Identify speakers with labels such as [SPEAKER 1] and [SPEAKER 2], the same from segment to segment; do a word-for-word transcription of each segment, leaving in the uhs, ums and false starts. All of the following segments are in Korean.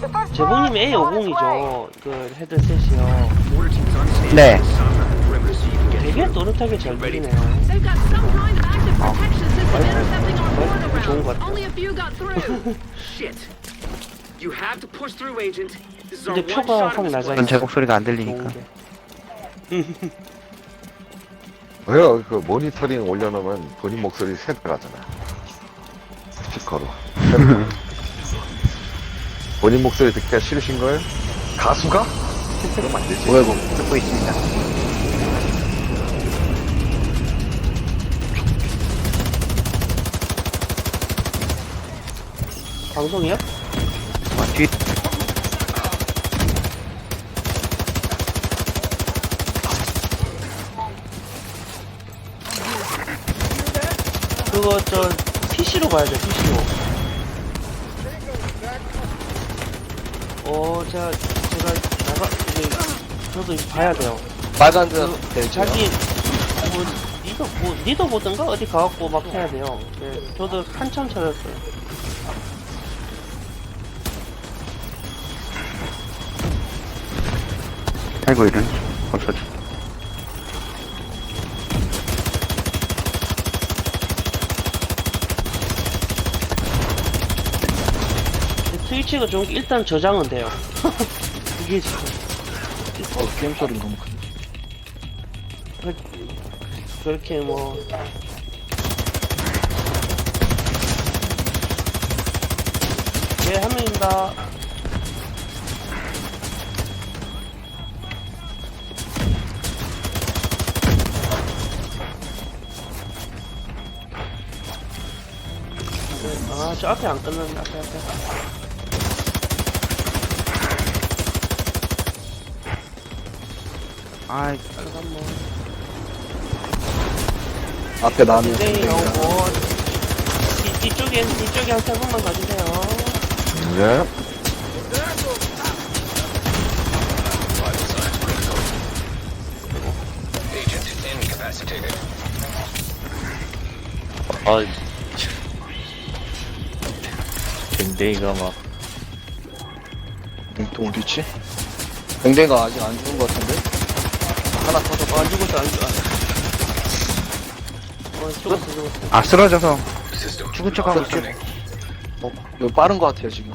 [SPEAKER 1] 제보님이 에이 오십이죠. 그 헤드셋이요.
[SPEAKER 2] 네.
[SPEAKER 1] 되게 또렷하게 잘 들리네요.
[SPEAKER 3] They've got some kind of active protection system intercepting our border
[SPEAKER 1] 마이크 좋은
[SPEAKER 3] now.
[SPEAKER 1] 것 같아요.
[SPEAKER 3] Only a few got through.
[SPEAKER 4] Shit. You have to push through, Agent. This is our
[SPEAKER 1] 근데
[SPEAKER 4] one
[SPEAKER 1] 표가
[SPEAKER 4] shot
[SPEAKER 1] 확
[SPEAKER 4] at this
[SPEAKER 1] 낮아요.
[SPEAKER 2] 전
[SPEAKER 4] place.
[SPEAKER 2] 제 목소리가 안 들리니까.
[SPEAKER 1] 좋은 게.
[SPEAKER 5] 왜요? 그 모니터링 올려놓으면 본인 목소리 새 나가잖아. 스피커로. 본인 목소리 듣기가 싫으신 거예요? 가수가? 그러면 안 되지.
[SPEAKER 2] 뭐야, 뭐, 듣고 있습니다.
[SPEAKER 1] 방송이요?
[SPEAKER 2] 아, 뒤,
[SPEAKER 1] 그거 저 피시로 봐야죠. 피시로. 어, 제가 제가 나가 이제 저도 이제 봐야 돼요.
[SPEAKER 6] 빨간
[SPEAKER 1] 그,
[SPEAKER 6] 네,
[SPEAKER 1] 자기 뭐 리더 뭐 리더 보든가 어디 가갖고 막 해야 돼요. 네, 저도 한참 찾았어요.
[SPEAKER 2] 아이고, 이런. 없어져.
[SPEAKER 1] 트위치가 좋은 게 일단 저장은 돼요. 이게 지금
[SPEAKER 6] 어, 게임 소리 너무 큰.
[SPEAKER 1] 그렇게 뭐 네, 한 명입니다. 네, 아, 저 앞에 안 끝났네, 앞에, 앞에.
[SPEAKER 2] 아이,
[SPEAKER 1] 잠깐만.
[SPEAKER 6] 앞에 나는
[SPEAKER 1] 굉장히 오고, 뒤, 뒤쪽에, 뒤쪽에 한 세 분만 가주세요.
[SPEAKER 5] 네.
[SPEAKER 6] 아, 댕댕이가 막. 또 어디지? 댕댕이가 아직 안 죽은 것 같은데? 하나 터져.
[SPEAKER 1] 아, 죽었어, 안 죽었어. 어, 죽었어, 죽었어.
[SPEAKER 2] 아, 쓰러져서 죽은 척하고 있어.
[SPEAKER 6] 어, 이거 빠른 것 같아요, 지금.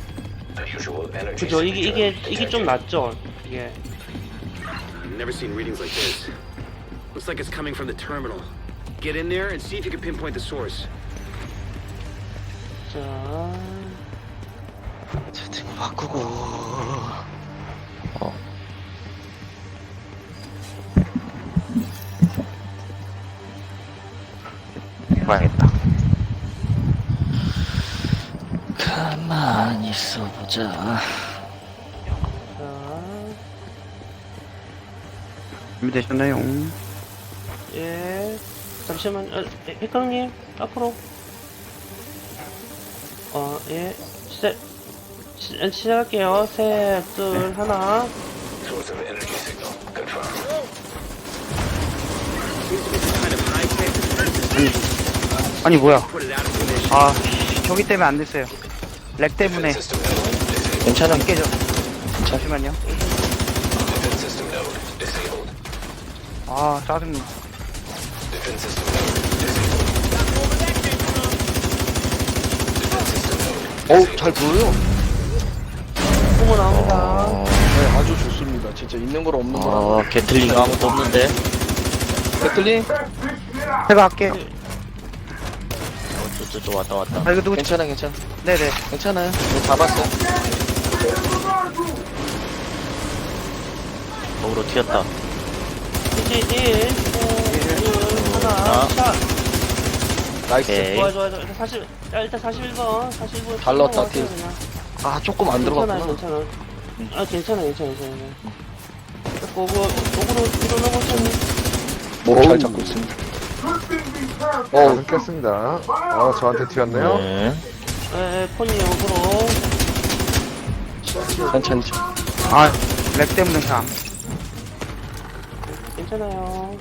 [SPEAKER 1] 그죠, 이게, 이게, 이게 좀 낫죠, 이게.
[SPEAKER 4] I've never seen readings like this. Looks like it's coming from the terminal. Get in there and see if you can pinpoint the source.
[SPEAKER 1] 자,
[SPEAKER 6] 채팅 바꾸고. 어.
[SPEAKER 2] 봐야겠다.
[SPEAKER 6] 가만히 있어보자.
[SPEAKER 1] 자.
[SPEAKER 2] 준비되셨나요?
[SPEAKER 1] 예. 잠시만, 어, 예, 백강님, 앞으로. 어, 예. 시작, 시, 시작할게요. 셋, 둘, 하나.
[SPEAKER 2] 아니, 뭐야.
[SPEAKER 4] Put it out of commission.
[SPEAKER 2] 아, 저기 때문에 안 됐어요. 렉 때문에.
[SPEAKER 6] 괜찮아.
[SPEAKER 2] 안 깨져. 잠시만요. 아, 짜증나.
[SPEAKER 6] 어우, 잘 보여요.
[SPEAKER 1] 보고 나옵니다.
[SPEAKER 6] 네, 아주 좋습니다. 진짜 있는 거랑 없는 거랑. 아, 게틀링 아무것도 없는데. 게틀링?
[SPEAKER 2] 제가 할게요.
[SPEAKER 6] 저저 왔다 왔다.
[SPEAKER 2] 아, 이거 누구,
[SPEAKER 6] 괜찮아, 괜찮아.
[SPEAKER 2] 네네.
[SPEAKER 6] 괜찮아요. 네, 잡았어. 거기로 튀었다.
[SPEAKER 1] 이제, 일, 셋, 둘, 하나,
[SPEAKER 6] 아.
[SPEAKER 1] 샷.
[SPEAKER 6] 나이스.
[SPEAKER 1] 좋아, 좋아, 좋아. 일단 사십, 야, 일단 사십일 번, 사십일 번.
[SPEAKER 6] 잘 넣었다,
[SPEAKER 1] 넘어갔어요,
[SPEAKER 6] 팀.
[SPEAKER 1] 그냥.
[SPEAKER 6] 아, 조금 안
[SPEAKER 1] 괜찮아,
[SPEAKER 6] 들어갔구나.
[SPEAKER 1] 괜찮아. 아, 괜찮아, 괜찮아, 괜찮아. 자꾸, 그, 오그로, 뒤로 넘어쳤니?
[SPEAKER 6] 목 잘 잡고 있습니다.
[SPEAKER 5] 어, 끊겼습니다. 어, 저한테 튀었네요.
[SPEAKER 6] 네.
[SPEAKER 1] 에, 폰이 오그로.
[SPEAKER 6] 천천히.
[SPEAKER 2] 아, 렉 때문에 참.
[SPEAKER 1] 괜찮아요.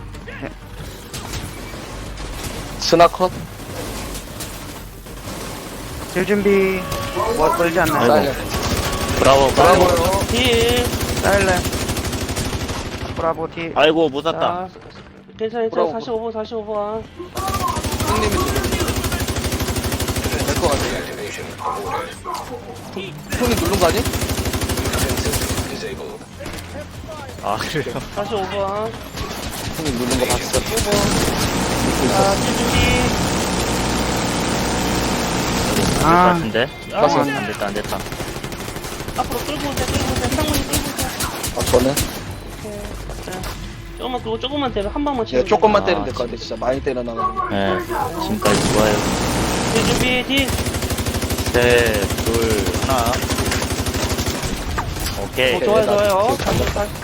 [SPEAKER 6] 스나컷?
[SPEAKER 2] 질 준비. 뭐, 멀지 않나요?
[SPEAKER 6] 사이렌. 브라보, 브라보.
[SPEAKER 1] 딜.
[SPEAKER 2] 사일렌. 브라보 티.
[SPEAKER 6] 아이고, 못 샀다.
[SPEAKER 1] 자, 괜찮아, 괜찮아.
[SPEAKER 6] 브라보.
[SPEAKER 1] 사십오 번, 사십오 번.
[SPEAKER 6] 형님이 될것 같아. 형이 누른 거 아니? 아, 그래요?
[SPEAKER 1] 사십오 번.
[SPEAKER 6] 형이 누른 거 봤어.
[SPEAKER 1] 자, 딜 준비.
[SPEAKER 6] 될 것
[SPEAKER 2] 아,
[SPEAKER 6] 같은데?
[SPEAKER 1] 아,
[SPEAKER 6] 가서 안 됐다, 안 됐다.
[SPEAKER 1] 앞으로 끌고 오세요, 끌고 오세요. 상문이 끌고 오세요.
[SPEAKER 6] 아, 저는?
[SPEAKER 1] 오케이. 자, 조금만, 그거 조금만 때려. 한 방만 치면
[SPEAKER 6] 예, 조금만
[SPEAKER 1] 돼요.
[SPEAKER 6] 때리면 될 것 같아. 진짜 많이 때려나가지고.
[SPEAKER 7] 네, 지금까지 좋아요.
[SPEAKER 1] 딜 준비, 딜.
[SPEAKER 7] 셋, 둘, 하나. 오케이.
[SPEAKER 1] 어, 좋아요,
[SPEAKER 6] 나
[SPEAKER 1] 좋아요.
[SPEAKER 6] 지금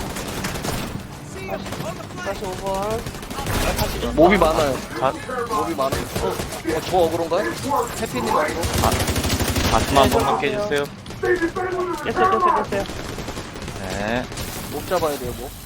[SPEAKER 1] 사십오 번.
[SPEAKER 6] 몹이 많아요.
[SPEAKER 7] 가,
[SPEAKER 6] 몹이 많아요. 어, 어, 저 어그로인가요? 해피님 어그로?
[SPEAKER 7] 가슴 한 번만 깨주세요.
[SPEAKER 1] 깼어요, 깼어요, 깼어요.
[SPEAKER 7] 네.
[SPEAKER 6] 몹 잡아야 돼요, 몹.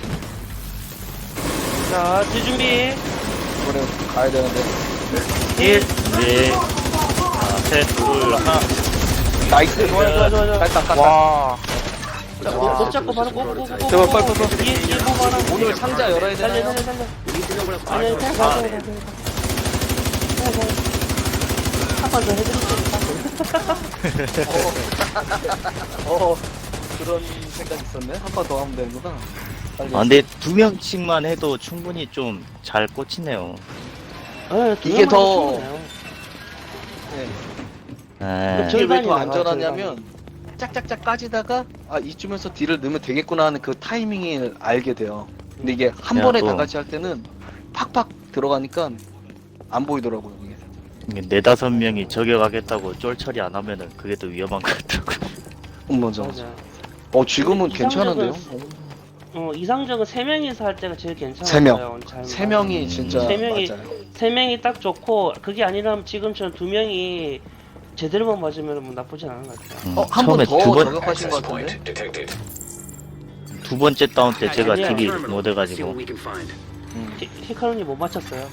[SPEAKER 1] 자, 딜 준비.
[SPEAKER 6] 이번에 가야 되는데.
[SPEAKER 1] 딜.
[SPEAKER 7] 준비. 하나, 셋, 둘, 하나.
[SPEAKER 6] 나이스.
[SPEAKER 1] 좋아요, 좋아요, 좋아요.
[SPEAKER 6] 깔딱, 깔딱.
[SPEAKER 2] 와.
[SPEAKER 1] 자, 못, 못 잡고 바로 꼭, 꼭, 꼭, 꼭.
[SPEAKER 6] 제발, 빨리, 빨리, 빨리.
[SPEAKER 1] 뒤에, 뒤에 보고 하나.
[SPEAKER 6] 오늘 상자 열어야
[SPEAKER 1] 달려,
[SPEAKER 6] 되나요?
[SPEAKER 1] 달려, 달려.
[SPEAKER 4] We need to know where the
[SPEAKER 1] 아니,
[SPEAKER 4] fire's
[SPEAKER 1] 그냥
[SPEAKER 4] going.
[SPEAKER 1] 가자, 가자, 가자. 한번 더 해드릴게요.
[SPEAKER 6] 어, 그런 생각 있었네. 한 번 더 하면 되는구나. 빨리.
[SPEAKER 7] 아, 근데 두 명씩만 해도 충분히 좀 잘 꽂히네요.
[SPEAKER 1] 네, 두
[SPEAKER 6] 이게
[SPEAKER 1] 명만
[SPEAKER 6] 더-
[SPEAKER 1] 충분해요.
[SPEAKER 6] 네.
[SPEAKER 7] 네.
[SPEAKER 6] 이게 왜 더
[SPEAKER 1] 절반이네요,
[SPEAKER 6] 안전하냐면 짝짝짝 까지다가 아 이쯤에서 딜을 넣으면 되겠구나 하는 그 타이밍을 알게 돼요. 근데 이게 한
[SPEAKER 7] 야,
[SPEAKER 6] 번에
[SPEAKER 7] 또.
[SPEAKER 6] 다 같이 할 때는 팍팍 들어가니까 안 보이더라고요. 이게.
[SPEAKER 7] 이게 네다섯 명이 저격하겠다고 쫄 처리 안 하면은 그게 더 위험한 것 같더라고요.
[SPEAKER 6] 음, 맞아.
[SPEAKER 1] 맞아.
[SPEAKER 6] 어 지금은
[SPEAKER 1] 이상적은-
[SPEAKER 6] 괜찮은데요?
[SPEAKER 1] 어, 이상적은 세 명이서 할 때가 제일 괜찮아요.
[SPEAKER 6] 세 명. 세 명이 진짜
[SPEAKER 1] 세 명이-
[SPEAKER 6] 맞아요.
[SPEAKER 1] 세 명이 딱 좋고 그게 아니라면 지금처럼 두 명이 제대로만 맞으면 뭐 나쁘진 않은 것 같아요.
[SPEAKER 7] 음,
[SPEAKER 6] 어 한 번
[SPEAKER 7] 처음에
[SPEAKER 6] 더
[SPEAKER 7] 두 번,
[SPEAKER 6] 저격하신 것 같은데?
[SPEAKER 7] 두 번째 다운 때 제가
[SPEAKER 4] Head to the
[SPEAKER 7] 딜이
[SPEAKER 4] terminal.
[SPEAKER 7] 못
[SPEAKER 4] See
[SPEAKER 7] 해가지고.
[SPEAKER 4] what we can find.
[SPEAKER 1] 히- 히카루님 못 맞췄어요.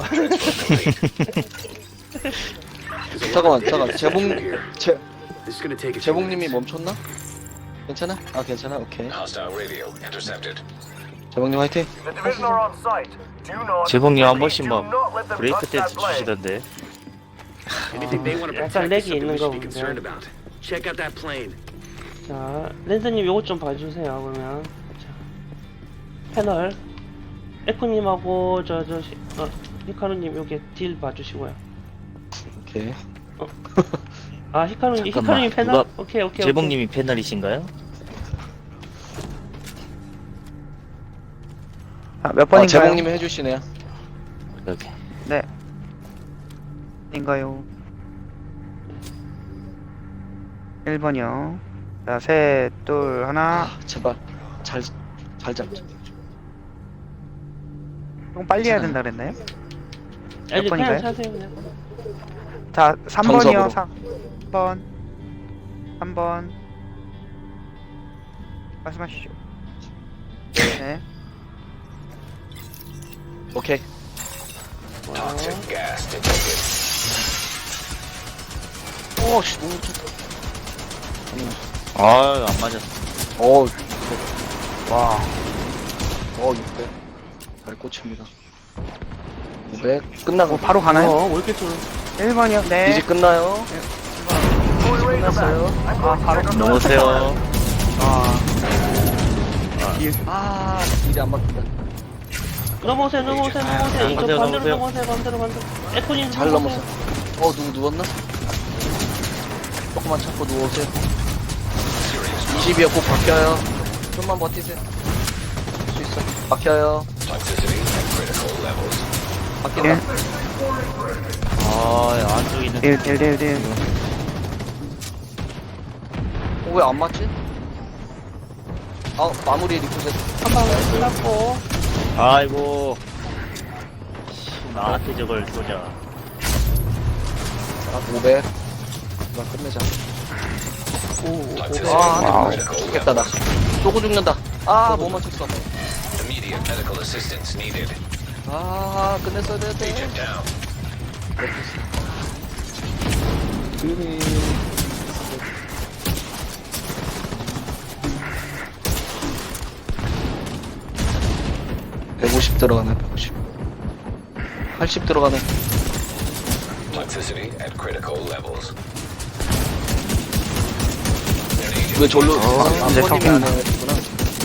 [SPEAKER 4] There's a lot
[SPEAKER 6] 잠깐만
[SPEAKER 4] of
[SPEAKER 6] 잠깐 재봉
[SPEAKER 4] here.
[SPEAKER 6] 재
[SPEAKER 4] This is gonna take a few
[SPEAKER 6] 재봉님이
[SPEAKER 4] minutes.
[SPEAKER 6] 멈췄나? 괜찮아? 아 괜찮아 오케이.
[SPEAKER 8] Hostile radio intercepted.
[SPEAKER 6] 재봉님 화이팅.
[SPEAKER 8] The division are on site. Do not.
[SPEAKER 7] 재봉님 한 번씩 막
[SPEAKER 8] Do not let them
[SPEAKER 7] 브레이크
[SPEAKER 8] touch that
[SPEAKER 7] 댄스
[SPEAKER 8] plane.
[SPEAKER 7] 주시던데.
[SPEAKER 4] Anything they want to
[SPEAKER 1] 약간
[SPEAKER 4] protect
[SPEAKER 1] 렉이
[SPEAKER 4] is something
[SPEAKER 1] 있는
[SPEAKER 4] we
[SPEAKER 1] 거
[SPEAKER 4] should be
[SPEAKER 1] 본데.
[SPEAKER 4] concerned about. Check out that plane.
[SPEAKER 1] 자, 랜드님 요것 좀 봐주세요. 그러면 자, 패널 에코님하고 저저 어, 히카루님 요게 딜 봐주시고요.
[SPEAKER 6] 오케이.
[SPEAKER 1] 아 히카루님
[SPEAKER 7] 잠깐만,
[SPEAKER 1] 히카루님 패널?
[SPEAKER 7] 누가-
[SPEAKER 1] 오케이 오케이.
[SPEAKER 7] 재봉님이 패널이신가요?
[SPEAKER 2] 아, 몇
[SPEAKER 6] 아
[SPEAKER 2] 번인가요?
[SPEAKER 6] 재봉님이 해주시네요.
[SPEAKER 7] 여기.
[SPEAKER 2] 네. 인가요? 일 번이요. 자, 셋, 둘, 하나.
[SPEAKER 6] 아 제발 잘 잘 잡자.
[SPEAKER 2] 좀 빨리 해야 된다 그랬나요?
[SPEAKER 1] 오케이. 아니
[SPEAKER 2] 번인가요?
[SPEAKER 1] 그냥 차세요 그냥.
[SPEAKER 2] 자, 삼 번이요.
[SPEAKER 6] 정석으로.
[SPEAKER 2] 삼 번. 삼 번. 말씀하시죠. 네.
[SPEAKER 6] 오케이.
[SPEAKER 8] Toxic gas detected.
[SPEAKER 6] 오씨 너무 좋다.
[SPEAKER 7] 아, 안 맞았어.
[SPEAKER 6] 어,
[SPEAKER 2] 와.
[SPEAKER 6] 어 육백. 잘 꽂힙니다. 오백 끝나고
[SPEAKER 2] 바로 가나요?
[SPEAKER 1] 어, 왜 이렇게 좀
[SPEAKER 2] 일 번이요. 네.
[SPEAKER 6] 이제 끝나요. 끝났어요.
[SPEAKER 2] 아, 바로.
[SPEAKER 7] 넘으세요.
[SPEAKER 2] 아.
[SPEAKER 6] 아 일이 안 막힌다.
[SPEAKER 1] 넘어오세요 넘어오세요 넘어오세요. 이거
[SPEAKER 7] 넘어오세요,
[SPEAKER 1] 반대로
[SPEAKER 7] 넘어오세요.
[SPEAKER 1] 넘어오세요 반대로 반대로. 에코님
[SPEAKER 6] 잘 넘었어. 어 누구 누웠나? 조금만 참고 누워오세요. 이십이요 꼭 바뀌어요. 좀만 버티세요. 할 수 있어. 바뀌어요.
[SPEAKER 8] Toxicity at critical levels.
[SPEAKER 6] 바뀐다.
[SPEAKER 7] 아, 안쪽에 있는.
[SPEAKER 2] 일, 일, 일, 일.
[SPEAKER 6] 어, 왜 안 맞지? 아 마무리 리프셋.
[SPEAKER 1] 한방 끝났고.
[SPEAKER 7] 아이고. 씨, 나한테 저걸 쏘자.
[SPEAKER 6] 아 오백. 나 끝내자.
[SPEAKER 8] Toxicity
[SPEAKER 6] 아,
[SPEAKER 8] at
[SPEAKER 2] 와우.
[SPEAKER 8] critical
[SPEAKER 6] 죽겠다 나.
[SPEAKER 8] levels.
[SPEAKER 6] 쪼고 죽는다. 아 못 맞췄어.
[SPEAKER 8] Immediate medical assistance needed.
[SPEAKER 6] 아 끝냈어야 되는데.
[SPEAKER 8] Agent down.
[SPEAKER 6] 백오십 들어가네, 백오십. 팔십 들어가네.
[SPEAKER 8] Toxicity at critical levels.
[SPEAKER 6] 왜 절로,
[SPEAKER 2] 어,
[SPEAKER 6] 아,
[SPEAKER 2] 이제
[SPEAKER 6] 아버님이
[SPEAKER 2] 적응.
[SPEAKER 6] 안 해가지구나.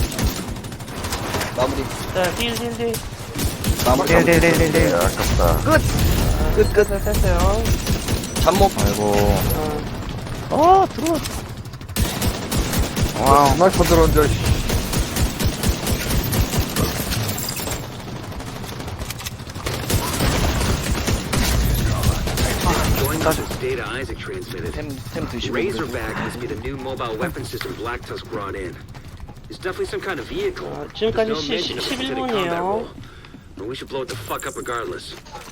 [SPEAKER 6] 마무리.
[SPEAKER 1] 자, 딜, 딜, 딜.
[SPEAKER 6] 마무리.
[SPEAKER 2] 네네네네.
[SPEAKER 5] 야, 아깝다.
[SPEAKER 6] 끝, 끝.
[SPEAKER 1] 자, 됐어요.
[SPEAKER 6] 잠목.
[SPEAKER 7] 아이고.
[SPEAKER 1] 어,
[SPEAKER 7] 어, 들어와.
[SPEAKER 2] 와우.
[SPEAKER 5] 스나이퍼 들어온 줄.
[SPEAKER 4] Going to this data Isaac transmitted.
[SPEAKER 6] 템, 템 드시고.
[SPEAKER 4] Razorback must be the new mobile weapon system Black Tusk brought in. It's definitely some kind of vehicle.
[SPEAKER 1] 아,
[SPEAKER 4] There's
[SPEAKER 1] 지금까지
[SPEAKER 4] no
[SPEAKER 1] 시-
[SPEAKER 4] mention of
[SPEAKER 1] 시-
[SPEAKER 4] synthetic
[SPEAKER 1] 십일
[SPEAKER 4] combat
[SPEAKER 1] 분이에요.
[SPEAKER 4] role. But we should blow it the fuck up regardless.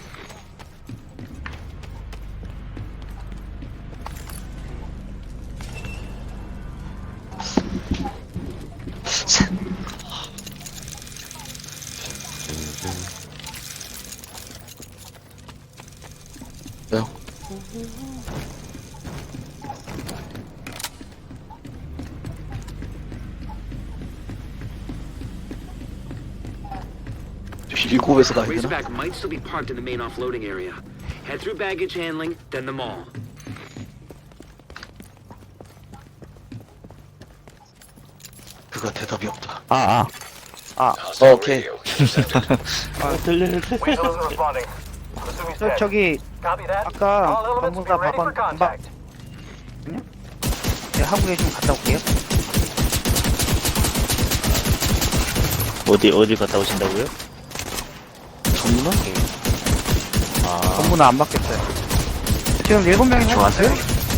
[SPEAKER 6] 왜요? 일곱에서 가야 되나?
[SPEAKER 4] Razorback might still be parked in the main offloading area. Head through baggage handling, then the mall.
[SPEAKER 6] 그가 대답이 없다.
[SPEAKER 7] 아, 아.
[SPEAKER 8] Hostile
[SPEAKER 6] Okay.
[SPEAKER 8] radio intercepted.
[SPEAKER 1] 아, 들리는데.
[SPEAKER 9] Weasel isn't responding. Assuming he's
[SPEAKER 2] 저,
[SPEAKER 9] dead.
[SPEAKER 2] 저기
[SPEAKER 9] Copy that.
[SPEAKER 2] 아까
[SPEAKER 9] All elements
[SPEAKER 2] 전부 다
[SPEAKER 9] be ready for
[SPEAKER 2] 박은 박
[SPEAKER 9] contact.
[SPEAKER 2] 네, 한국에 좀 갔다 올게요.
[SPEAKER 7] 어디, 어디 갔다 오신다고요?
[SPEAKER 6] 전문화?
[SPEAKER 7] 아,
[SPEAKER 2] 전부는 안 받겠어요. 지금 일곱 명이
[SPEAKER 7] 좋아하세요?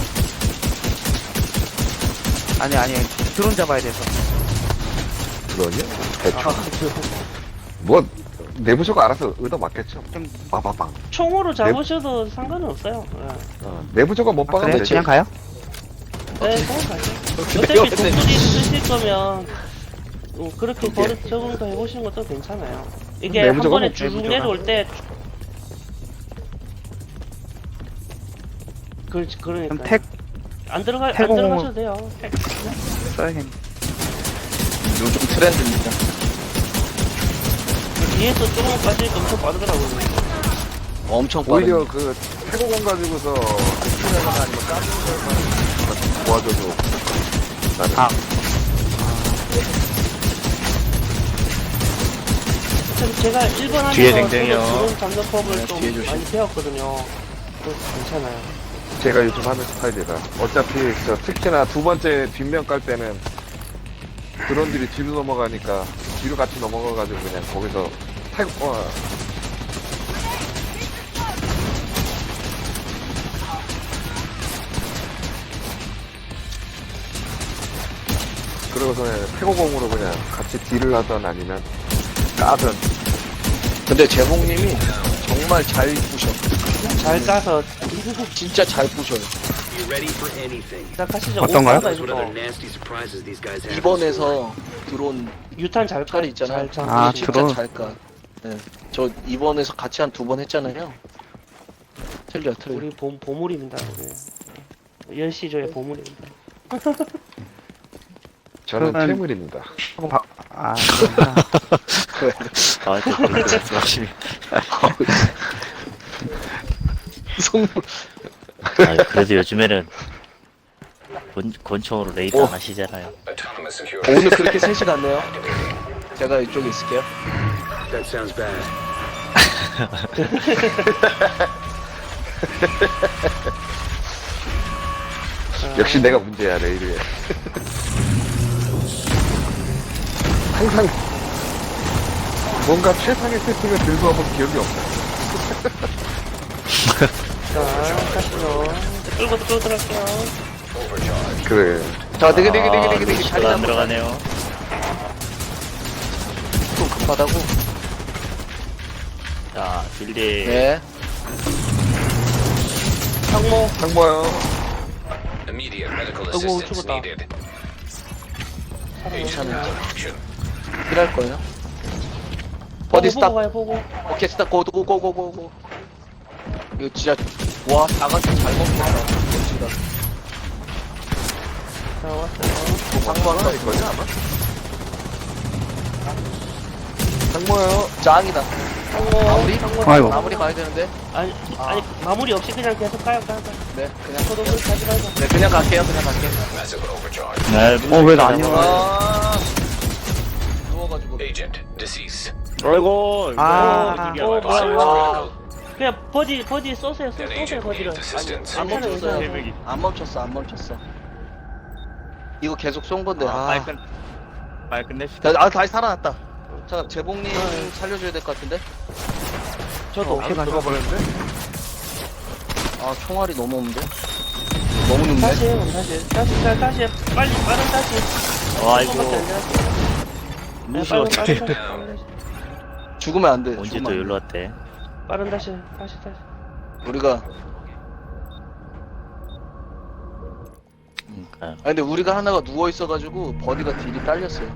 [SPEAKER 2] 아니 아니 드론 잡아야 돼서.
[SPEAKER 5] 들어오냐? 대충.
[SPEAKER 1] 아, 그,
[SPEAKER 5] 뭐, 내부적으로 알아서 얻어 맞겠죠.
[SPEAKER 2] 좀
[SPEAKER 5] 빠바방.
[SPEAKER 1] 총으로 잡으셔도 상관은 없어요. 예.
[SPEAKER 5] 어, 내부적으로 못
[SPEAKER 2] 아,
[SPEAKER 5] 박으면
[SPEAKER 2] 그래요?
[SPEAKER 5] 되죠.
[SPEAKER 2] 그냥 가요?
[SPEAKER 1] 네, 그냥 가죠.
[SPEAKER 6] 근데요,
[SPEAKER 1] 어차피
[SPEAKER 6] 근데-
[SPEAKER 1] 독수리 쓰실 거면 어, 그렇게 버릇 적응도 해보시는 것도 괜찮아요. 이게 한
[SPEAKER 5] 내부적으로
[SPEAKER 1] 번에
[SPEAKER 5] 못-
[SPEAKER 1] 쭉
[SPEAKER 2] 내부적으로.
[SPEAKER 1] 내려올 때 그, 그러니까
[SPEAKER 2] 그럼 택
[SPEAKER 1] 안 들어가 안
[SPEAKER 2] 태공을-
[SPEAKER 1] 들어가셔도 돼요. 택.
[SPEAKER 2] 써야겠네.
[SPEAKER 6] 요즘 트렌드입니다.
[SPEAKER 1] 뒤에서 조금 빠지니까 엄청 빠르더라고요.
[SPEAKER 6] 엄청 빠른.
[SPEAKER 5] 오히려 그 태고공 가지고서 스피너나 아니면 까는 걸만 도와줘도 나는
[SPEAKER 2] 아.
[SPEAKER 1] 참 제가 일본 하면서
[SPEAKER 7] 뒤에 댕댕이요.
[SPEAKER 1] 드론 잡는 법을
[SPEAKER 6] 네,
[SPEAKER 1] 좀
[SPEAKER 6] 뒤에 조심.
[SPEAKER 1] 많이 배웠거든요. 그래서 괜찮아요.
[SPEAKER 5] 제가 요즘 하는 스타일이라 어차피 저 특히나 두 번째 뒷면 깔 때는 드론들이 뒤로 넘어가니까 뒤로 같이 넘어가가지고 그냥 거기서 태고 어, 그러고서 그냥 태고공으로 그냥 같이 딜을 하던 아니면 까든
[SPEAKER 6] 근데 재봉님이 정말 잘 부셔.
[SPEAKER 1] 잘 까서
[SPEAKER 6] 진짜 잘 부셔요.
[SPEAKER 4] Be ready for anything.
[SPEAKER 1] 시작하시죠.
[SPEAKER 2] 어떤가요?
[SPEAKER 4] That's what other
[SPEAKER 1] 오빠가
[SPEAKER 4] nasty surprises these guys have.
[SPEAKER 6] 이번에서 드론
[SPEAKER 1] 유탄 잘 까.
[SPEAKER 6] 칼이 있잖아요.
[SPEAKER 1] 잘
[SPEAKER 2] 아,
[SPEAKER 1] 짜.
[SPEAKER 6] 진짜
[SPEAKER 2] 드론.
[SPEAKER 6] 잘 까. 네. 저 이번에서 같이 한 두 번 했잖아요. 틀려, 틀려.
[SPEAKER 1] 우리 보, 보물입니다. 우리. 열시조의 보물입니다.
[SPEAKER 5] 저는
[SPEAKER 2] 그러면-
[SPEAKER 5] 퇴물입니다.
[SPEAKER 2] 하고 바... 아,
[SPEAKER 7] 아, 저 그렇게 말씀하시면.
[SPEAKER 6] 송
[SPEAKER 7] 아, 그래도 요즘에는 권, 권총으로 레이더
[SPEAKER 6] 오.
[SPEAKER 7] 안 하시잖아요.
[SPEAKER 8] Autonomous security.
[SPEAKER 6] 오늘 그렇게 셋이 갔네요. 제가 이쪽에 있을게요.
[SPEAKER 4] That sounds bad.
[SPEAKER 5] 역시 내가 문제야 레이드에. 항상 뭔가 최상의 세팅을 들고 와본 기억이 없어.
[SPEAKER 1] 자, 가시죠. 끌고 끌고 들어갈게요.
[SPEAKER 5] 그래.
[SPEAKER 6] 자, 되게 되게 되게
[SPEAKER 7] 아,
[SPEAKER 6] 되게 되게
[SPEAKER 7] 루시가 안 들어가네요.
[SPEAKER 6] 좀 급하다고.
[SPEAKER 7] 자, 빌리.
[SPEAKER 6] 네.
[SPEAKER 1] 상모.
[SPEAKER 5] 상모요.
[SPEAKER 8] Immediate medical
[SPEAKER 1] 아이고,
[SPEAKER 8] assistance
[SPEAKER 1] 죽었다.
[SPEAKER 8] needed.
[SPEAKER 6] 괜찮아요.
[SPEAKER 8] Action.
[SPEAKER 6] 필요할 거예요.
[SPEAKER 1] 보고,
[SPEAKER 6] 어디 스탑?
[SPEAKER 1] 보고 가요, 보고.
[SPEAKER 6] 오케이 스탑 고고고고고고. 이거 진짜 와 나가서 잘 먹겠다. 진짜.
[SPEAKER 1] 자, 왔어요.
[SPEAKER 6] 상관은
[SPEAKER 5] 이거지 아마? 상모요.
[SPEAKER 6] 짱이다.
[SPEAKER 1] 상모
[SPEAKER 6] 마무리?
[SPEAKER 1] 상모
[SPEAKER 2] 아이고.
[SPEAKER 6] 마무리 가야 되는데.
[SPEAKER 1] 아니
[SPEAKER 6] 아.
[SPEAKER 1] 아니 마무리 없이 그냥 계속 가요 가요 가요.
[SPEAKER 6] 네, 그냥
[SPEAKER 1] 저도 그 가지 말고.
[SPEAKER 6] 네, 그냥 갈게요. 그냥 갈게요.
[SPEAKER 8] Massive overcharge.
[SPEAKER 7] 네,
[SPEAKER 2] 어, 왜 나 안 열어?
[SPEAKER 6] 아, 누워가지고.
[SPEAKER 8] Agent deceased.
[SPEAKER 7] 아이고.
[SPEAKER 2] 아.
[SPEAKER 1] 어, 뭐야, 뭐야.
[SPEAKER 6] 아,
[SPEAKER 1] 그냥 버디 버디 쏘세요 쏘-
[SPEAKER 8] An
[SPEAKER 1] 쏘세요
[SPEAKER 8] agent
[SPEAKER 1] 버디를.
[SPEAKER 8] needs assistance.
[SPEAKER 6] 안
[SPEAKER 1] 괜찮아요,
[SPEAKER 6] 멈췄어요.
[SPEAKER 1] 괜찮아요.
[SPEAKER 6] 안 멈췄어, 안 멈췄어. 이거 계속 쏜 건데.
[SPEAKER 7] 빨리
[SPEAKER 6] 아,
[SPEAKER 7] 끝. 빨리 끝냅시다.
[SPEAKER 6] 다- 아, 다시 살아났다. 자, 재봉님 살려줘야 될 것 같은데.
[SPEAKER 1] 저도
[SPEAKER 5] 바로 들어가 버렸는데?
[SPEAKER 6] 아, 총알이 너무 없는데. 너무 눕네.
[SPEAKER 1] 다시 해요 다시 다시 다시 다시 빨리 빠른 다시.
[SPEAKER 7] 아이고.
[SPEAKER 1] 조금밖에 안 지났어요. 네,
[SPEAKER 7] 무시
[SPEAKER 1] 빠른,
[SPEAKER 7] 어떻게.
[SPEAKER 1] 빠른 다시.
[SPEAKER 6] 죽으면 안 돼.
[SPEAKER 7] 언제
[SPEAKER 6] 죽으면
[SPEAKER 7] 또
[SPEAKER 6] 안 돼.
[SPEAKER 7] 연락 왔대?
[SPEAKER 1] 빠른 다시 다시 다시.
[SPEAKER 6] 우리가
[SPEAKER 7] 그러니까.
[SPEAKER 6] 아 근데 우리가 하나가 누워 있어가지고 버디가 딜이 딸렸어요.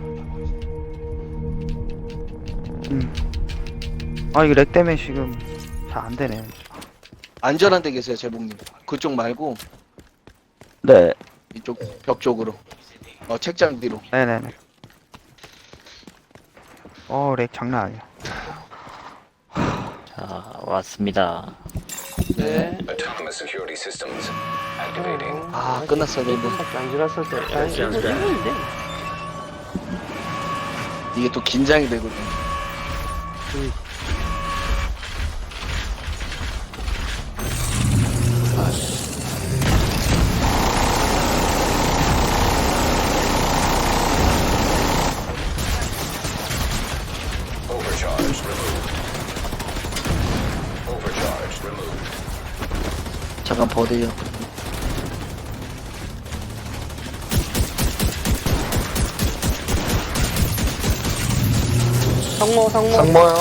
[SPEAKER 2] 음. 아, 이거 렉 때문에 지금 잘 안 되네.
[SPEAKER 6] 안전한 데 계세요, 재봉님. 그쪽 말고
[SPEAKER 2] 네.
[SPEAKER 6] 이쪽 벽 쪽으로. 어 책장 뒤로.
[SPEAKER 2] 네네네. 어, 렉 장난 아니야.
[SPEAKER 7] 자, 왔습니다.
[SPEAKER 6] 네.
[SPEAKER 8] Autonomous security systems activating.
[SPEAKER 6] 아 끝났어야 되는데
[SPEAKER 1] 조금밖에 안 지났을 때. 아니 이거 이건데.
[SPEAKER 6] 이게 또 긴장이 되거든.
[SPEAKER 8] Overcharge removed. Overcharge removed.
[SPEAKER 6] 잠깐 버디요.
[SPEAKER 1] 상모 상모.
[SPEAKER 5] 상모요.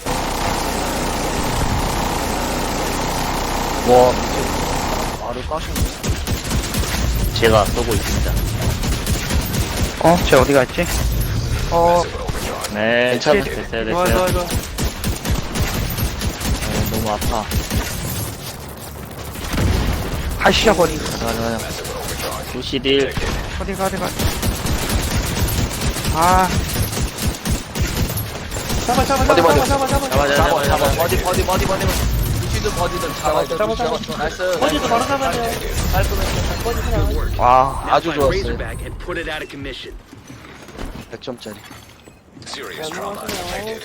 [SPEAKER 6] 와 미쳐. 말을 까시네.
[SPEAKER 7] 제가 쏘고 있습니다.
[SPEAKER 2] 어, 쟤 어디 갔지? 어,
[SPEAKER 8] Massive overcharge.
[SPEAKER 7] 네,
[SPEAKER 6] 괜찮아.
[SPEAKER 7] 됐어요,
[SPEAKER 1] 좋아
[SPEAKER 7] 됐어요.
[SPEAKER 1] 좋아 좋아.
[SPEAKER 7] 어, 너무 아파.
[SPEAKER 2] 하시자, 버리.
[SPEAKER 7] 가자, 가자, 가자.
[SPEAKER 8] Massive overcharge.
[SPEAKER 7] 구십일.
[SPEAKER 2] 어디 가, 어디 가. 아,
[SPEAKER 1] 잡아 잡아
[SPEAKER 6] 어디,
[SPEAKER 1] 잡아
[SPEAKER 6] 어디?
[SPEAKER 1] 잡아 잡아 잡아.
[SPEAKER 7] 잡아,
[SPEAKER 6] 잡아 잡아
[SPEAKER 7] 잡아.
[SPEAKER 6] 버디 버디 버디 버디. 루시든 버디든 잡아
[SPEAKER 1] 잡아, 잡아.
[SPEAKER 6] 나이스.
[SPEAKER 1] 버디도 바로 잡아야 돼요. 깔끔해. 버디 그냥.
[SPEAKER 2] 와.
[SPEAKER 6] 아주
[SPEAKER 4] Now find
[SPEAKER 6] 좋았어요.
[SPEAKER 4] Razorback and put it out of commission.
[SPEAKER 6] 백 점짜리.
[SPEAKER 8] Serious trauma detected.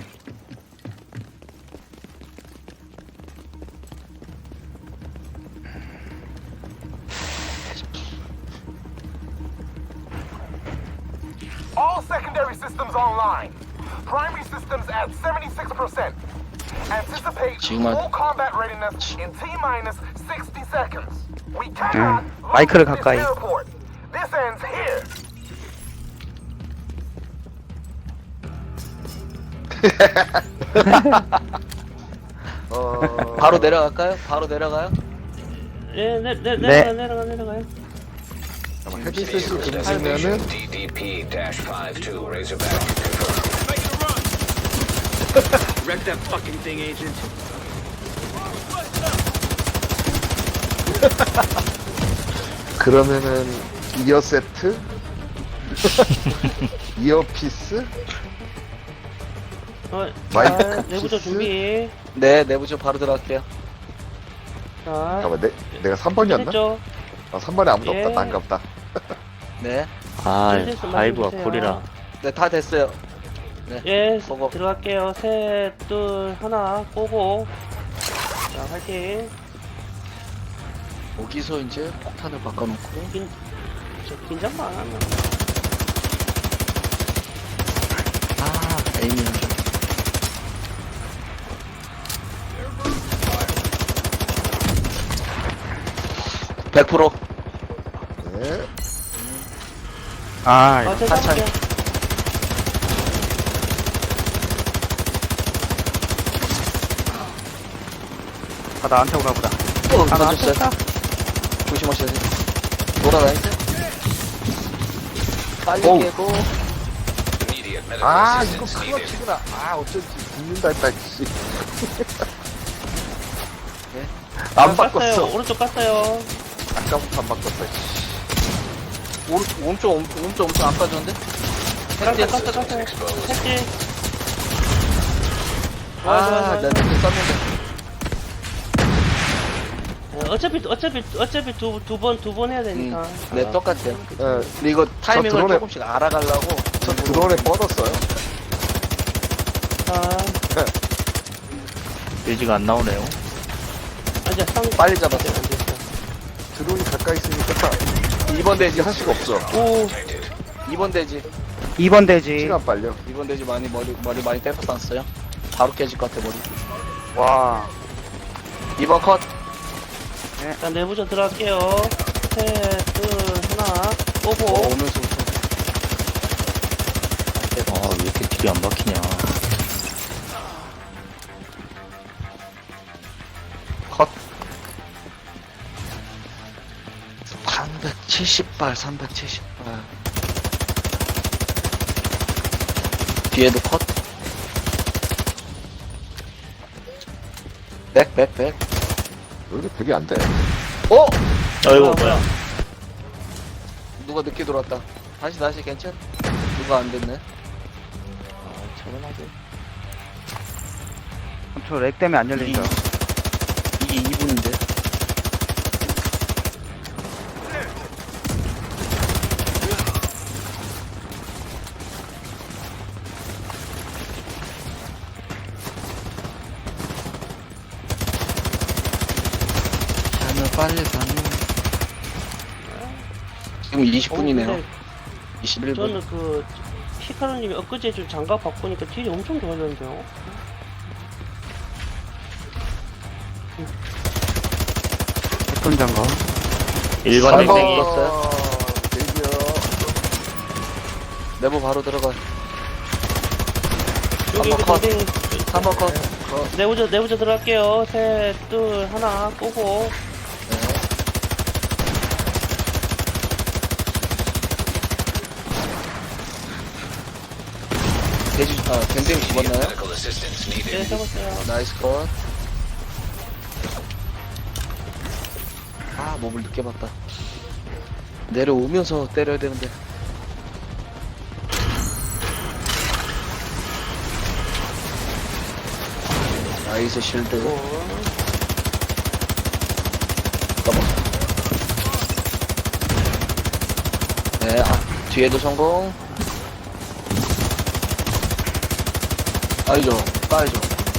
[SPEAKER 9] All secondary systems online. Primary systems at seventy-six percent. Anticipate
[SPEAKER 6] 지금은-
[SPEAKER 9] full combat readiness in T minus sixty seconds. We cannot
[SPEAKER 2] 음, 마이크를
[SPEAKER 9] lose this
[SPEAKER 2] 가까이.
[SPEAKER 9] airport. This ends here.
[SPEAKER 5] 어.
[SPEAKER 6] 바로 내려갈까요? 바로 내려가요?
[SPEAKER 1] 예, 내, 내,
[SPEAKER 2] 네.
[SPEAKER 1] 내려가 내려가 내려가요.
[SPEAKER 5] 헤드셋을 금지면은
[SPEAKER 8] D D P fifty-two Razorback confirmed.
[SPEAKER 4] Wreck that fucking thing, Agent.
[SPEAKER 5] 그러면은 이어 세트, 이어피스,
[SPEAKER 1] 어,
[SPEAKER 5] 마이크
[SPEAKER 1] 자, 내부조
[SPEAKER 5] 키스?
[SPEAKER 1] 준비.
[SPEAKER 6] 네 내부조 바로 들어갈게요.
[SPEAKER 1] 자,
[SPEAKER 5] 잠깐만, 내, 내가 삼 번이었나?
[SPEAKER 1] 됐죠?
[SPEAKER 5] 아, 삼 번에 아무도
[SPEAKER 1] 예.
[SPEAKER 5] 없다. 난갑다.
[SPEAKER 6] 네.
[SPEAKER 7] 아,
[SPEAKER 1] 실수
[SPEAKER 7] 파이브가
[SPEAKER 1] 말해주세요.
[SPEAKER 7] 쿨이라.
[SPEAKER 6] 네 다 됐어요.
[SPEAKER 1] 예,
[SPEAKER 6] 먹어.
[SPEAKER 1] 들어갈게요. 셋, 둘, 하나, 꼬고. 자, 화이팅.
[SPEAKER 6] 여기서 이제 폭탄을 바꿔놓고
[SPEAKER 1] 긴, 저, 긴장만 안 하면.
[SPEAKER 6] 아 에이밍 좀. 백 퍼센트.
[SPEAKER 5] 네.
[SPEAKER 2] 아,
[SPEAKER 1] 아,
[SPEAKER 2] 이거.
[SPEAKER 1] 저
[SPEAKER 6] 하차이.
[SPEAKER 1] 잡을게요.
[SPEAKER 2] 아, 나한테 오나 보다.
[SPEAKER 6] 어,
[SPEAKER 2] 아, 나한테
[SPEAKER 6] 던졌어요.
[SPEAKER 2] 온다.
[SPEAKER 6] 조심하셔야 돼요. 돌아다니죠? 빨리
[SPEAKER 5] 오우.
[SPEAKER 6] 깨고.
[SPEAKER 8] Immediate medical
[SPEAKER 5] 아, 이거
[SPEAKER 8] assistance needed.
[SPEAKER 5] 클러치구나. 아, 어쩐지 죽는다 했다, 씨.
[SPEAKER 6] 네.
[SPEAKER 5] 안
[SPEAKER 1] 깠어요.
[SPEAKER 5] 바꿨어.
[SPEAKER 1] 오른쪽 깠어요.
[SPEAKER 5] 아까부터 안 바꿨어, 씨.
[SPEAKER 6] 오른쪽, 오른쪽, 엄- 오른쪽 엄청 안 빠졌는데?
[SPEAKER 1] 깠어, 깠어, 깠어. 택지. 좋아, 좋아,
[SPEAKER 6] 아,
[SPEAKER 1] 좋아.
[SPEAKER 6] 내가 늦게 썼는데.
[SPEAKER 1] 네, 어차피 어차피 어차피 두 두 번 두 번 해야 되니까.
[SPEAKER 6] 음, 네, 똑같아요.
[SPEAKER 5] 예,
[SPEAKER 6] 근데 이거 타이밍을
[SPEAKER 5] 드론에-
[SPEAKER 6] 조금씩 알아가려고.
[SPEAKER 5] 저 드론에 뻗었어요.
[SPEAKER 1] 아,
[SPEAKER 7] 돼지가 안 나오네요.
[SPEAKER 1] 아니야 상
[SPEAKER 6] 빨리 잡았어.
[SPEAKER 1] 안 됐어.
[SPEAKER 5] 드론이 가까이 있으니까
[SPEAKER 6] 이 번 대지.
[SPEAKER 5] 할 수가 없어.
[SPEAKER 1] 오,
[SPEAKER 6] 이 번 대지.
[SPEAKER 2] 이 번 대지.
[SPEAKER 5] 시간 빨려.
[SPEAKER 6] 이 번 대지 많이 머리, 머리 많이 떼서 쌌어요. 바로 깨질 것 같아, 머리.
[SPEAKER 2] 와.
[SPEAKER 6] 이 번 컷.
[SPEAKER 1] 자 내부전 들어갈게요. 셋, 둘, 하나,
[SPEAKER 6] 어,
[SPEAKER 1] 오고.
[SPEAKER 6] 오면서.
[SPEAKER 7] 아, 왜 이렇게 딜이 안 박히냐.
[SPEAKER 6] 컷. 삼백칠십 발, 삼백칠십 발. 뒤에도 컷. 백, 백, 백.
[SPEAKER 5] 여기 백이 안 돼.
[SPEAKER 6] 어!
[SPEAKER 7] 아이고,
[SPEAKER 1] 뭐야,
[SPEAKER 7] 뭐야.
[SPEAKER 6] 누가 늦게 들어왔다. 다시, 다시, 괜찮? 누가 안 됐네.
[SPEAKER 7] 아, 차분하게.
[SPEAKER 2] 저 렉 때문에 안 열린다.
[SPEAKER 6] 이게 이 분인데. 가면 빨리 가면. 지금 이십 분이네요.
[SPEAKER 1] 어, 근데
[SPEAKER 6] 이십일 분.
[SPEAKER 1] 저는 그 히카루님이 엊그제 좀 장갑 바꾸니까 딜이 엄청 좋아졌는데요.
[SPEAKER 2] 어떤 장갑?
[SPEAKER 7] 일반
[SPEAKER 6] 삼 번.
[SPEAKER 7] 댕댕이.
[SPEAKER 6] 떴어요?
[SPEAKER 5] 대기요.
[SPEAKER 6] 내부 바로 들어가.
[SPEAKER 1] 여기
[SPEAKER 6] 삼 번
[SPEAKER 1] 여기
[SPEAKER 6] 컷.
[SPEAKER 1] 댕댕이
[SPEAKER 6] 삼 번 컷.
[SPEAKER 1] 내부전 내부전 들어갈게요. 셋, 둘, 하나, 꼬고.
[SPEAKER 6] 돼지, 아, 댕댕이 죽었나요?
[SPEAKER 8] Medical assistance needed.
[SPEAKER 1] 네, 잡았어요.
[SPEAKER 6] 나이스 컷. 아, 몸을 늦게 봤다. 내려오면서 때려야 되는데. 나이스 실드. 잠깐만. 네, 아, 뒤에도 성공. 아니죠, 까야죠.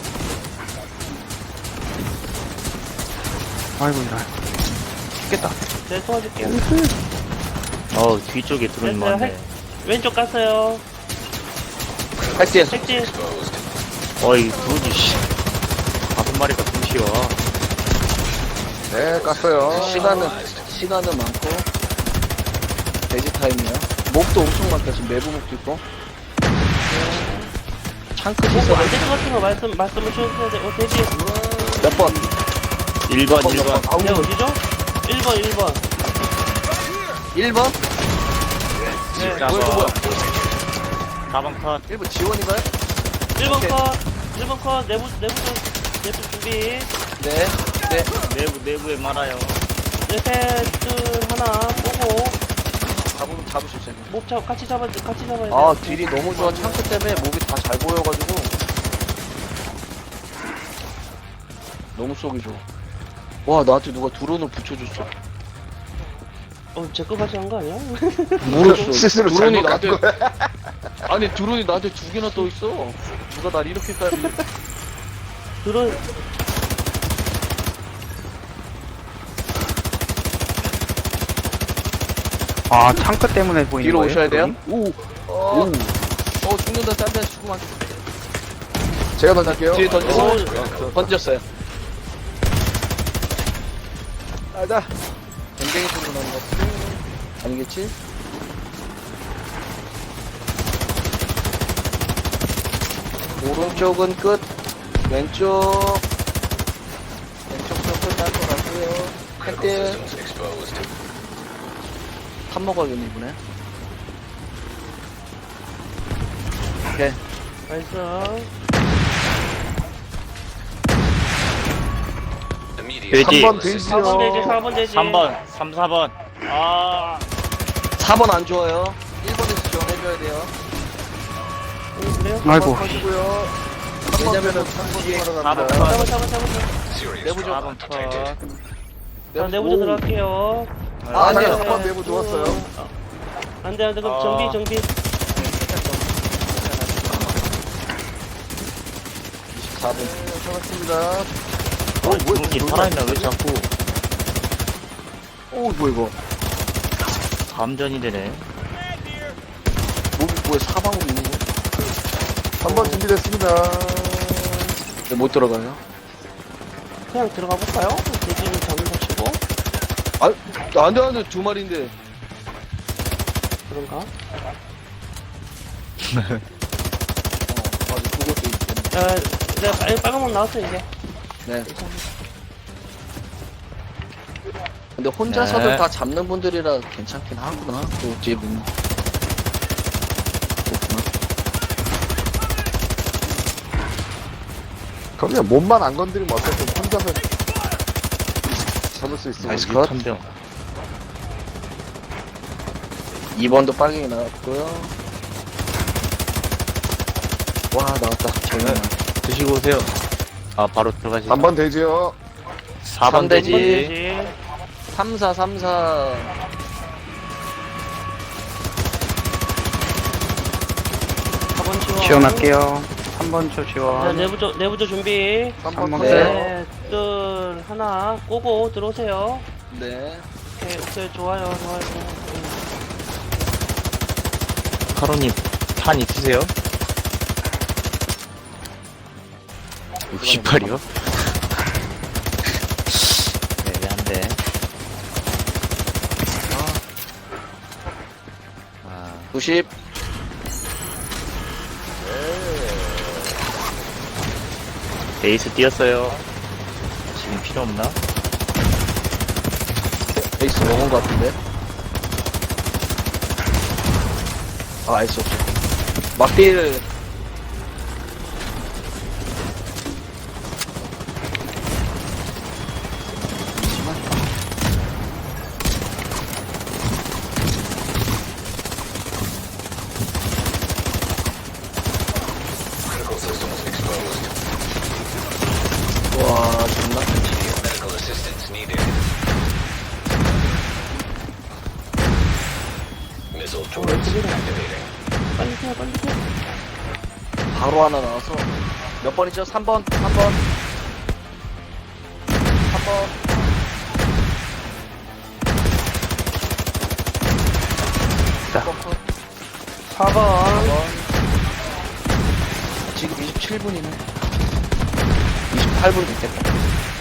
[SPEAKER 2] 아이고, 이라.
[SPEAKER 6] 죽겠다.
[SPEAKER 1] 네, 도와줄게요.
[SPEAKER 7] 어, 뒤쪽에 드론이
[SPEAKER 1] 됐어요.
[SPEAKER 7] 많네.
[SPEAKER 1] 왼쪽 갔어요.
[SPEAKER 6] 할게.
[SPEAKER 1] 색진.
[SPEAKER 7] 어이, 드론이, 씨. 다섯 마리가 숨쉬어.
[SPEAKER 5] 네, 깠어요.
[SPEAKER 6] 시간은 시간은 많고 돼지 타임이야. 몹도 엄청 많다. 지금 내부 몹도 있고. 창크
[SPEAKER 1] 보고
[SPEAKER 6] 시설
[SPEAKER 1] 안 될 것 같은 거 말씀 말씀을 주셔야 돼. 어, 대기.
[SPEAKER 6] 몇 번?
[SPEAKER 7] 일 번, 일 번.
[SPEAKER 1] 네, 어디죠? 일 번, 일 번.
[SPEAKER 6] 일 번?
[SPEAKER 1] 네.
[SPEAKER 7] 자,
[SPEAKER 6] 뭐야, 이거 뭐야?
[SPEAKER 7] 사 번 컷.
[SPEAKER 6] 일 번 지원인가요?
[SPEAKER 1] 일 번
[SPEAKER 6] 오케이.
[SPEAKER 1] 컷. 일 번 컷. 내부 내부 좀 내부 준비.
[SPEAKER 6] 네. 네.
[SPEAKER 7] 내부, 내부에 많아요.
[SPEAKER 1] 네, 셋, 둘, 하나, 보고.
[SPEAKER 6] 잡으면 잡으셨어요.
[SPEAKER 1] 목 잡, 같이 잡아, 같이 잡아야 돼.
[SPEAKER 6] 아, 딜이 너무 좋아. 창크 때문에 목이 다 잘 보여가지고. 너무 쏘기 좋아. 와, 나한테 누가 드론을 붙여줬어.
[SPEAKER 1] 어, 제 거 같이 한 거 아니야?
[SPEAKER 6] 모르겠어.
[SPEAKER 5] 스스로
[SPEAKER 6] 드론이
[SPEAKER 5] 잘못 간
[SPEAKER 6] 나한테. 아니, 드론이 나한테 두 개나 떠 있어. 누가 날 이렇게까지.
[SPEAKER 1] 드론.
[SPEAKER 2] 아, 창크 때문에 보이는
[SPEAKER 6] 뒤로
[SPEAKER 2] 거예요?
[SPEAKER 6] 오셔야 돼요?
[SPEAKER 2] 드론이?
[SPEAKER 6] 오. 어, 어, 죽는다. 딴 데서 죽으면 안 돼.
[SPEAKER 5] 제가 던질게요.
[SPEAKER 6] 뒤에 던졌어.
[SPEAKER 1] 오.
[SPEAKER 6] 던졌어요.
[SPEAKER 5] 가자.
[SPEAKER 6] 굉장히 소리 나는 것 같아. 아니겠지? 오른쪽은 끝. 왼쪽. 왼쪽도 끝날 것 같고요. 한대
[SPEAKER 8] Systems exposed.
[SPEAKER 6] 탑 먹어야겠네, 이번에. 오케이.
[SPEAKER 1] 나이스.
[SPEAKER 8] Immediate
[SPEAKER 7] 돼지.
[SPEAKER 5] 삼 번
[SPEAKER 8] medical
[SPEAKER 5] 돼지요.
[SPEAKER 8] assistance.
[SPEAKER 1] 사 번 되지, 사 번 되지.
[SPEAKER 7] 삼 번, 삼, 사 번. 아.
[SPEAKER 6] 사 번 안 좋아요. 일 번에서 지원해줘야 돼요.
[SPEAKER 1] 오, 그래요?
[SPEAKER 2] 아이고.
[SPEAKER 5] 하시고요.
[SPEAKER 6] 왜냐면은 뒤에
[SPEAKER 1] 잡아 잡아 잡아 잡아.
[SPEAKER 8] Serious
[SPEAKER 6] 내부 좀
[SPEAKER 8] trauma detected.
[SPEAKER 1] 자, 내부조 들어갈게요.
[SPEAKER 6] 아, 아니요.
[SPEAKER 5] 네, 첫 내부 좋았어요.
[SPEAKER 1] 어. 안돼 안돼 그럼
[SPEAKER 7] 아.
[SPEAKER 1] 정비 정비.
[SPEAKER 6] 사 분.
[SPEAKER 5] 잡았습니다.
[SPEAKER 7] 어, 주먹이 살아있나 왜 자꾸
[SPEAKER 6] 오, 뭐야, 이거.
[SPEAKER 7] 감전이 되네.
[SPEAKER 6] 뭐, 뭐야, 사방으로 있는 거?
[SPEAKER 5] 한 번 준비됐습니다.
[SPEAKER 6] 네, 못 들어가요.
[SPEAKER 1] 그냥 들어가 볼까요? 대지는 잡으시고
[SPEAKER 6] 아, 안 돼, 안 돼. 두 마리인데.
[SPEAKER 1] 그런가?
[SPEAKER 6] 어, 맞아. 그것도 있겠네.
[SPEAKER 1] 야, 내가 빨, 빨간 문 나왔어 이제.
[SPEAKER 6] 네. 근데 혼자서도
[SPEAKER 7] 네.
[SPEAKER 6] 다 잡는 분들이라 괜찮긴 하구나. 또 뒤에 보면. 그렇구나.
[SPEAKER 5] 그럼요, 몸만 안 건드리면 어쨌든 혼자서 잡을 수 있으면.
[SPEAKER 6] 나이스 컷.
[SPEAKER 7] 천병.
[SPEAKER 6] 이 번도 빨갱이 나왔고요. 와, 나왔다. 정말.
[SPEAKER 7] 드시고 오세요. 아 바로 들어가시.
[SPEAKER 5] 삼 번 되지요.
[SPEAKER 7] 사 번
[SPEAKER 6] 삼 대지.
[SPEAKER 7] 되지.
[SPEAKER 1] 되지.
[SPEAKER 6] 삼 사, 삼 사.
[SPEAKER 1] 사 번 지원.
[SPEAKER 2] 지원할게요. 삼 번 초
[SPEAKER 1] 자,
[SPEAKER 2] 지원.
[SPEAKER 1] 내부조 내부조 준비.
[SPEAKER 5] 삼
[SPEAKER 2] 삼
[SPEAKER 5] 번
[SPEAKER 2] 번
[SPEAKER 6] 네.
[SPEAKER 1] 셋, 둘, 하나, 꼬고 들어오세요.
[SPEAKER 6] 네.
[SPEAKER 1] 오케이, 오케이, 좋아요, 좋아요. 음.
[SPEAKER 7] 카로님 탄 있으세요? 육십팔이요? 애매한데. 아,
[SPEAKER 6] 구십.
[SPEAKER 7] 에이스 뛰었어요. 지금 필요 없나?
[SPEAKER 6] 에이스 먹은 것 같은데. 아, 에이스 없어. 막딜.
[SPEAKER 8] Critical systems exposed.
[SPEAKER 6] 와, 존나.
[SPEAKER 8] Medical assistance needed. Missile turrets activating.
[SPEAKER 1] 빨리 해, 빨리 해.
[SPEAKER 6] 바로 하나 나와서. 몇 번이죠? 삼 번, 삼 번. 삼 번.
[SPEAKER 2] 자.
[SPEAKER 1] 사 번.
[SPEAKER 6] 지금 이십칠 분이네. 이십팔 분 됐겠다.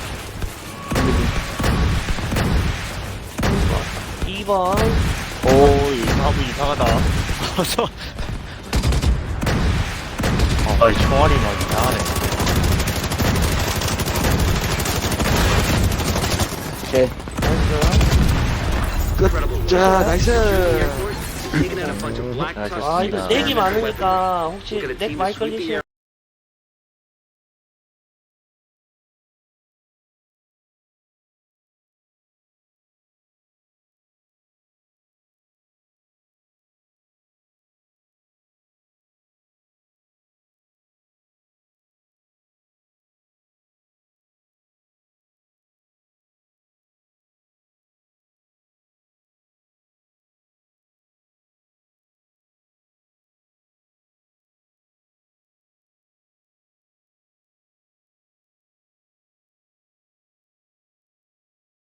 [SPEAKER 1] 이 번.
[SPEAKER 7] 오, 이상하고 이상하다. 어서. 아, 이 총알이 막 이상하네.
[SPEAKER 6] 오케이.
[SPEAKER 4] Incredible.
[SPEAKER 6] 자, 나이스.
[SPEAKER 4] Taking out a bunch of black
[SPEAKER 7] 아,
[SPEAKER 4] tusk
[SPEAKER 1] 아, 이거
[SPEAKER 7] 좋습니다.
[SPEAKER 1] 넥이 많으니까 혹시
[SPEAKER 4] Look at a
[SPEAKER 1] 넥
[SPEAKER 4] team
[SPEAKER 1] 많이
[SPEAKER 4] to sweep the
[SPEAKER 1] 걸리시면